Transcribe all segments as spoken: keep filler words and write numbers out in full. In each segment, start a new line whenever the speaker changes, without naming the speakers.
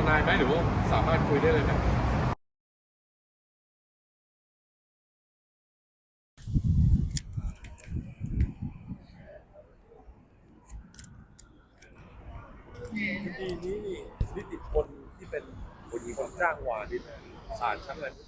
นายไหมหรือว่าสามารถคุยได้เลยนะคดีนี้นี่นิติพลที่เป็นคนคนจ้างวานนี่นะศาลชั้นอะไร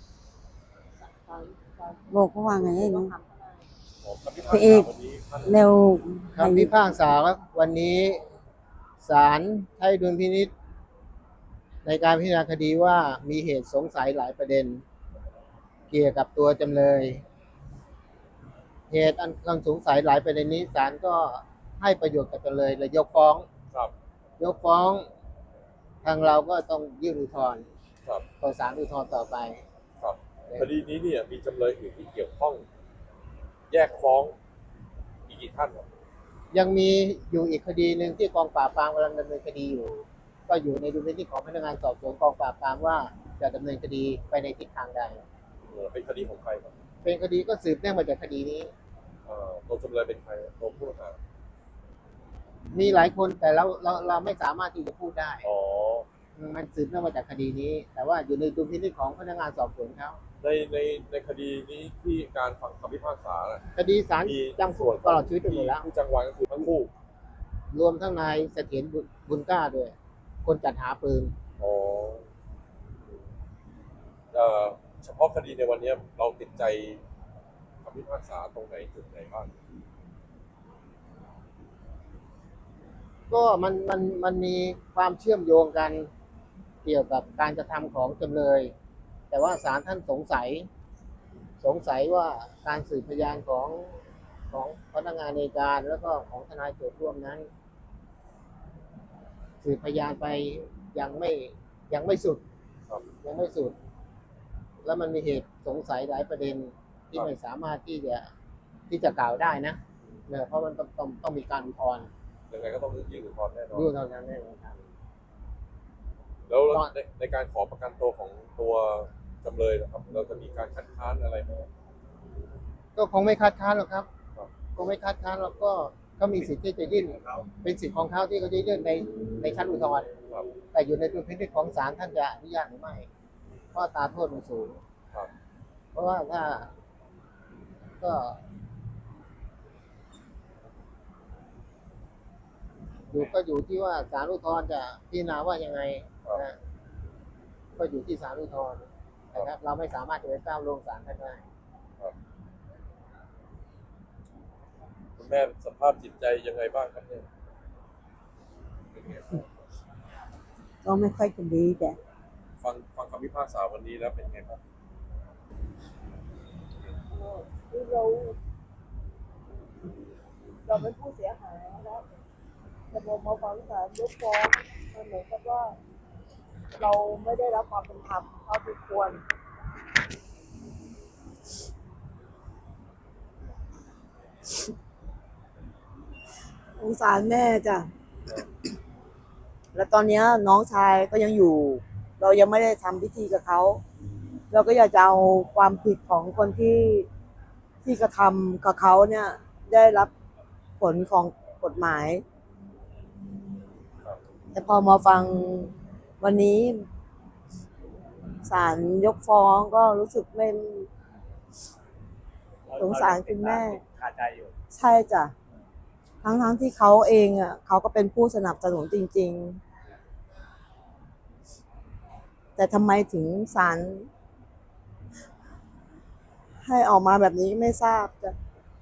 บอกเขาว่าไงให้น้อง
ของคำพิพา
พระ
ก
เอ
ษาก วันนี้ท่าน
เร็ว
คำพิพากษาวันนี้ศาลให้ดุลพินิจในการพิจารณาคดีว่ามีเหตุสงสัยหลายประเด็น เกี่ยวกับตัวจำเลย เหตุอันคำสงสัยหลายประเด็นนี้ศาลก็ให้ประโยชน์กับจำเลยเลยยกฟ้อง
ครับ
ยกฟ้องทางเราก็ต้องยื่นอุทธรณ์
ครับ
ต่อศาลอุทธรณ์ต่อไป
ครับคดีนี้เนี่ยมีจำเลยอื่นที่เกี่ยวข้อง แยกฟ้องอีกกี่ท่านครับ
ยังมีอยู่อีกคดีหนึ่งที่กองปราบปรามกำลังดำเนินคดีอยู่ ก็อยู่ในดุลพินิจของพนักงานสอบสวนกองปราบปรามว่าจะดำเนินคดีไปในทิศทางใด
เออเป็นคดีของใครครับ
เป็นคดีก็สืบเนื่องมาจากคดีนี้
เอ่อตัวจำเลยเป็นใครตัวผู้ต้องหา
มีหลายคนแต่เราเราเราไม่สามารถที่จะพูดได้
อ๋อ
มันสืบเนื่องมาจากคดีนี้ แต่ว่าอยู่ในดุลพินิจของพนักงานสอบสวนเขา
ในในในคดีนี้ที่การฟังคำพิพากษาน่ะ
คดีศาล
มี
จำคุกตลอดชีวิตไปหมดแล้ว
ผู้จ้างวานก็คือทั้งคู่
รวมทั้งนายเสถียรบุญบุญกล้าด้วย คนจัดหาปืน
อ๋อเอ่อเฉพาะคดีในวันนี้เราติดใจคำพิพากษาตรงไหนจุดไหนบ้าง
ก็มันมันมันมีความเชื่อมโยงกันเกี่ยวกับการกระทำของจำเลย แต่ว่าศาลท่านสงสัย สงสัยว่าการสืบพยานของของพนักงานในการแล้วก็ของทนายโจทย์ร่วมนั้น สืบพยานไปยังไม่ยังไม่สุด
ครับ
ยังไม่สุด แล้วมันมีเหตุสงสัยหลายประเด็นที่
ครับ
ไม่สามารถที่จะที่จะกล่าวได้นะเนี่ยเพราะมันต้องต้องต้องมีการอุทธรณ์
ยังไงก็ต้องยื่นอุทธรณ์แน่นอน
ด้วยเท่านั้นแน่นอนครับ
แล้ว
ตอน
ในในการขอประกันตัวของตัวจำเลยนะครับ เราจะมีการคัดค้านอะไรไหม
ก็คงไม่คัดค้านหรอกครับ
ครับ
คงไม่คัดค้านแล้วก็ก็มีสิทธิ์ที่จะยื่นเป็นสิทธิ์ของเขาที่เขาจะยื่นในในชั้นอุทธรณ์
ครับ
แต่อยู่ในดุลพินิจของศาลท่านจะอนุญาตหรือไม่เพราะอัตราโทษมันสูง
ครับ
เพราะว่าถ้าก็อยู่ก็อยู่ที่ว่าศาลอุทธรณ์จะพิจารณาว่ายังไงนะก็อยู่ที่ศาลอุทธรณ์นะครับ เราไม่สามารถจะไปก้าวล่วงศาลท่านได้
ครับคุณแม่สภาพจิตใจยังไงบ้างครับเนี่ย
ก็ไม่ค่อยจะดีแต่
ฟังฟังคำพิพากษาวันนี้แล้วเป็นไงบ้าง
คือเราเราเป็นผู้เสียหายแล้วแต่พอมาฟังศาลยกฟ้องมันเหมือนกับว่า เราไม่ได้รับความเป็นธรรมเท่าที่ควรสงสารแม่จ้ะแล้วตอนเนี้ยน้องชายก็ยังอยู่ เรายังไม่ได้ทำพิธีกับเขาเราก็อยากจะเอาความผิดของคนที่ที่กระทำกับเขาเนี่ย ได้รับผลของกฎหมาย แต่พอมาฟังวันนี้ศาลยกฟ้องก็รู้สึกไม่สงสารคุณแม่
คาใจอยู่
ใช่จ้ะทั้งทั้งที่เขาเองอ่ะเขาก็เป็นผู้สนับสนุนจริงๆ แต่ทำไมถึงศาลให้ออกมาแบบนี้ไม่ทราบจ้ะ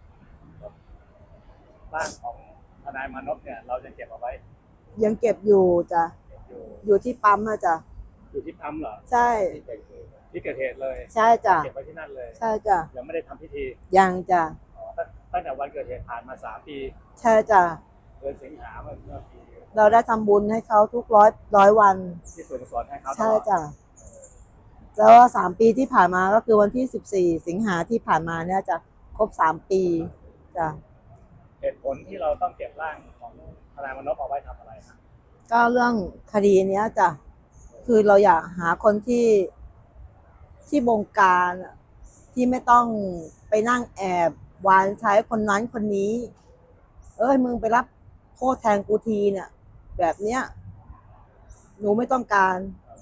ร่างของทนายมานพเนี่ย เราจะเก็บเอาไว้
ยังเก็บอยู่จ้ะ
เก็บอยู่
อยู่ที่ปั๊มอะจ้ะ
อยู่ที่ปั๊มเหรอ
ใช่
ที่เกิดเหตุเลย
ใช่จ้ะ
เก็บไว้ที่นั่นเลย
ใช่จ้ะ
ยังไม่ได้ทำพิธี
ยังจ้ะ
อ๋อตั้งตั้งแต่วันเกิดเหตุผ่านมาสามปี
ใช่จ้ะ
เดือนสิงหาเมื่อเมื่อปี
เราได้ทำบุญให้เขาทุกร้อยร้อยวัน
ที่ส่วนกุศลให้เขาต
ใช่
ลอด
จ้ะแล้วสามปีที่ผ่านมาก็คือวันที่สิบสี่สิงหาที่ผ่านมาเนี่ยจะครบสามปีจ้ะ
เหตุผลที่เราต้องเก็บร่างของทนายมานพเอาไว้ทำอะไรครับ
ก็เรื่องคดีเนี้ยจ้ะคือเราอยากหาคนที่ที่บงการอะที่ไม่ต้องไปนั่งแอบวานใช้คนนั้นคนนี้ เอ้ยมึงไปรับโทษแทนกูทีเนี่ย แบบเนี้ย หนูไม่ต้องการ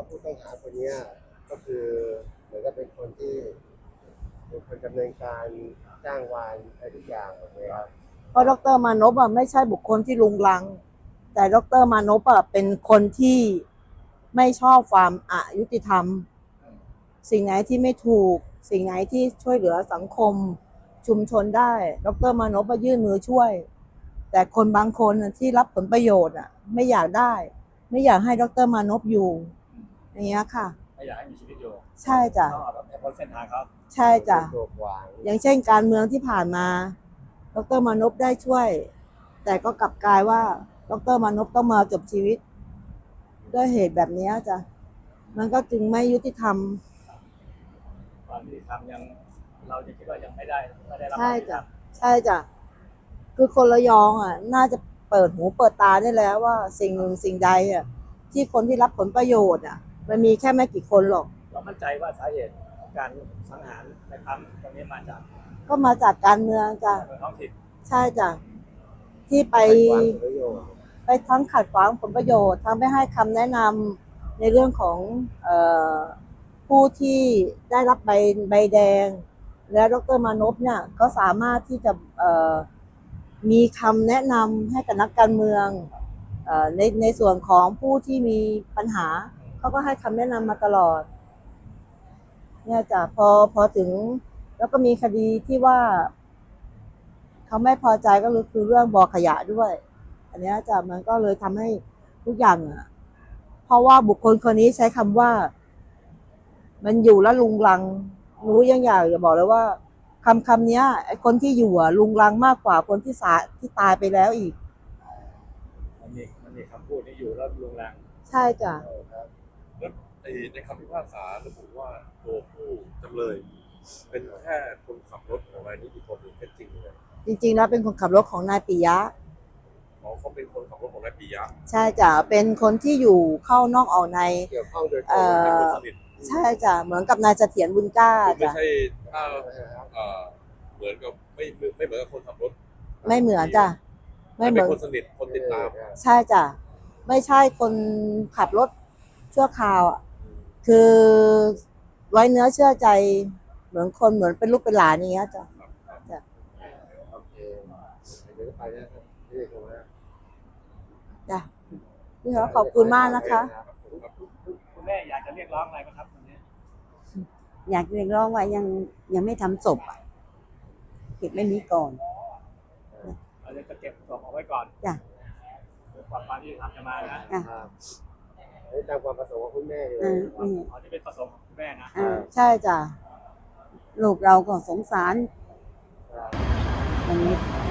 ว่าผู้ต้องหาคนเนี้ยก็คือเหมือนกับเป็นคนที่เป็นคนดำเนินการจ้างวานอะไรทุกอย่างหมดเลยครับ
เพราะดรมานพอ่ะไม่ใช่บุคคลที่ลุงลัง แต่ดรมานพอ่ะเป็นคนที่ไม่ชอบความอายุติธรรม สิ่งไหนที่ไม่ถูก สิ่งไหนที่ช่วยเหลือสังคมชุมชนได้ ดรมานพมายื่นมือช่วย แต่คนบางคนน่ะที่รับผลประโยชน์อ่ะ ไม่อยากได้ ไม่อยากให้ดรมานพอยู่ อย่างเงี้ยค่ะ
ไม่อยากให้มีชีวิตอยู่
ใช่จ้ะ
ต้องเอาแบบให้พ้นเส้นทางเขา
ใช่จ้ะ
ตัวขวาง
อย่างเช่นการเมืองที่ผ่านมา ดรมานพได้ช่วย แต่ก็กลับกลายว่า ดรมานพต้องมาจบชีวิต ด้วยเหตุแบบนี้จ้ะ มันก็จึงไม่ยุติธรรม
ความยุติธรรมยังเราจะคิดว่ายังไม่ได้ไม่ได้รับ
ใช่
ความยุติธร
จ้ะ
รม
ใช่จ้ะ คือคนระยองอ่ะ น่าจะเปิดหูเปิดตาได้แล้วว่าสิ่งหนึ่งสิ่งใดอ่ะ ที่คนที่รับผลประโยชน์อ่ะ มันมีแค่ไม่กี่คนหรอก
เรามั่นใจว่าสาเหตุของการสังหารในครั้งตรงนี้มาจาก
ก็มาจากการเมืองจ้ะ
เมืองท้องถิ่น
ใช่จ้ะ ที่ไป
ขวางผลประโยชน์
ไปทั้งขัดขวางผลประโยชน์ทั้งไม่ให้คำแนะนำในเรื่องของเออผู้ที่ได้รับใบใบแดง และดรมานพเนี่ยก็สามารถที่จะเอ่อมีคำแนะนำให้กับนักการเมืองเอ่อในในส่วนของผู้ที่มีปัญหาเขาก็ให้คำแนะนำมาตลอดเนี่ยจ้ะพอพอถึงแล้วก็มีคดีที่ว่าเขาไม่พอใจก็คือเรื่องบ่อขยะด้วย อันเนี้ยจ้ะมันก็เลยทำให้ทุกอย่างอ่ะ เพราะว่าบุคคลคนนี้ใช้คำว่า มันอยู่แล้วลุงลังรู้ยังอยากจะบอกเลยว่าคำคำนี้ไอ้คนที่อยู่อ่ะลุงลังมากกว่าคนที่สาที่ตายไปแล้วอีก
มันมีมันมีคำพูดนี้อยู่แล้วลุงลัง
ใช่จ้ะ
แล้วไอ้ในคำพิพากษาระบุว่าตัวผู้จำเลย เป็นแค่คนขับรถของนายนิติพลหรือแค่จริงเลย
จริงๆแล้วเป็นคนขับรถของนายปิยะ
อ๋อเขาเป็นคนขับรถของนายปิยะ
ใช่จ้ะเป็นคนที่อยู่เข้านอกออกใน
เกี่ยวข้องโดยตร
เอ่
ง
อ
เป็นคนสนิท
ใช่จ้ะเหมือนกับนายเสถียรบุญกล้า
คือไม่
จ้ะ
ใช่ถ้าเอ่อเหมือนกับไม่ไม่ไม่เหมือนกับคนขับรถ
ไม่เหมือนจ้ะไม่เหมื
เป็
อน
นคนสนิทคนติดตาม
ใช่จ้ะไม่ใช่คนขับรถชั่วคราวอ่ะคือไว้เนื้อเชื่อใจเหมือนคนเหมือนเป็นลูกเป็นหลานอย่างเงี้ยจ้ะ
โอเคเดี๋ยวจะไปนะครับที่นี่ตรงนี้
จ้ะพี่เขาขอบคุณมากนะคะ
คุณแม่อยากจะเรียกร้องอะไรไหมครับวันนี้
อยากเรียกร้องว่ายังยังไม่ทำศพอ่ะเก็บไม่มีก่อน
เราจะเก็บศพเอาไว้ก่อน
จ้ะ
เพื่อความยุติธรรมจะมานะ
อ่ะ
ครับนี่ตามความประสงค์ของคุณแม่เล
เอย ออืม
อ๋อที่เป็นประสงค์ของคุณแม่นะ
อ่า
ใช่จ้ะ
ลูกเราก็สงสารอย่างนี้
ค